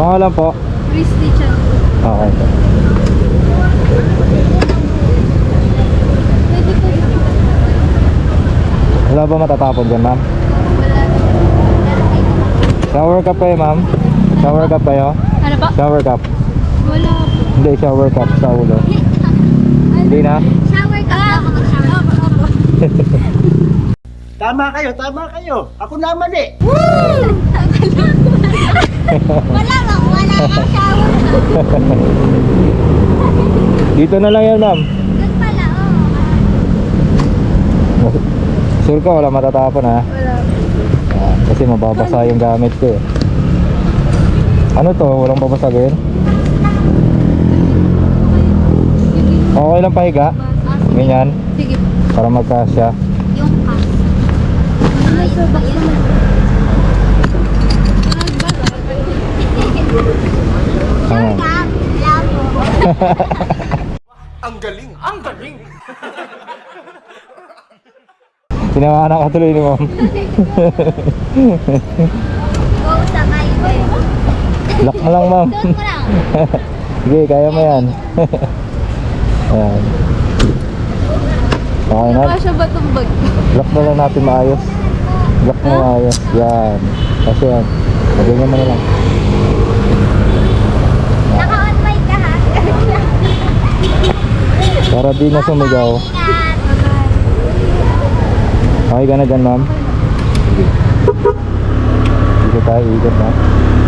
Pangalan po? Christy Chan. Okay. Pwede po yun. Wala ba matatapon dyan, ma'am? Wala. Shower cup kayo, ma'am? Shower cup kayo? Ano ba? Shower cup. Wala po. Hindi, shower cup sa ulo. Hindi na? Shower ka ba? Mag-shower. Opo. Tama kayo. Ako naman eh. Wala kang shower. Dito na lang yan, ma'am. Doon pala, Sure ka, wala matatapon, ha? Wala. Kasi mababasa yung gamit ko, eh. Ano to? Walang babasagin? Okay lang pahiga? Ganyan? Sige po. Para magkasya. Yung pass. Ayun ba yun? Ayan. Ang galing. Sinamahan ka tuloy ni ma'am. Go sa highway. Lock mo lang, ma'am. Suot mo lang. Sige, kaya mo yan. Ayan. Okay na. Kasya ba itong bag? Lock na lang natin maayos. Lock mo maayos. Yan. Kasi yan. Ganyan mo na lang. Naka-on mic ka ha? Para di na sumigaw. Ingat. Okay ka na dyan, ma'am? Sige. Dito tayo, ikot na.